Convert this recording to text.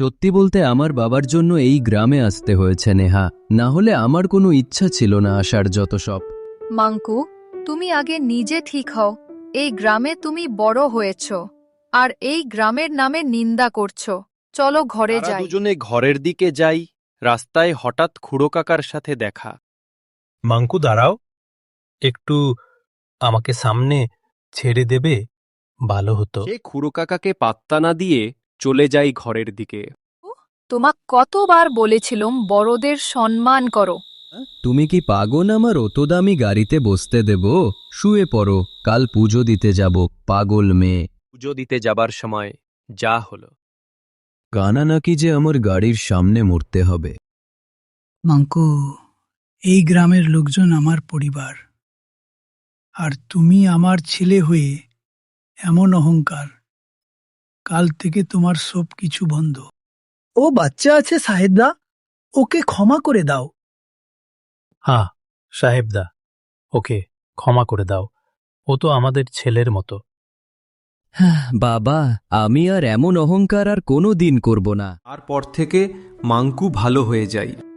সত্যি বলতে আমার বাবার জন্য এই গ্রামে আসতে হয়েছে নেহা, না হলে আমার কোনো ইচ্ছা ছিল না আসার। যত সব মাঙ্কু, তুমি আগে নিজে ঠিক হও। এই গ্রামে তুমি বড় হয়েছ, আর এই গ্রামের নামে নিন্দা করছো। চলো ঘরে তারা যাই। দুজনে ঘরের দিকে যাই। রাস্তায় হঠাৎ খুড়ো কাকার সাথে দেখা। মাঙ্কু দাঁড়াও, একটু আমাকে সামনে ছেড়ে দেবে? ভালো হতো। সে খুড়ো কাকাকে পাত্তা না দিয়ে চলে যায় ঘরের দিকে। তোমাক কতবার বলেছিলাম বড়দের সম্মান করো। তুমি কি পাগল আমার অত দামি গাড়িতে বসতে দেব? শুয়ে পড়ো, কাল পুজো দিতে যাব। পাগল মেয়ে। পুজো দিতে যাবার সময় যা হলো। কানা নাকি যে আমার গাড়ির সামনে মরতে হবে। মাঙ্কু, এই গ্রামের লোকজন আমার পরিবার, আর তুমি আমার ছেলে হয়ে এমন অহংকার। কাল থেকে তোমার সব কিছু বন্ধ। ও বাচ্চা আছে সাহেবদা, ওকে ক্ষমা করে দাও। হ্যাঁ সাহেবদা, ওকে ক্ষমা করে দাও। ও তো আমাদের ছেলের মতো। বাবা, আমি আর এমন অহংকার আর কোনো দিন করব না। তারপর থেকে মাঙ্কু ভালো হয়ে যায়।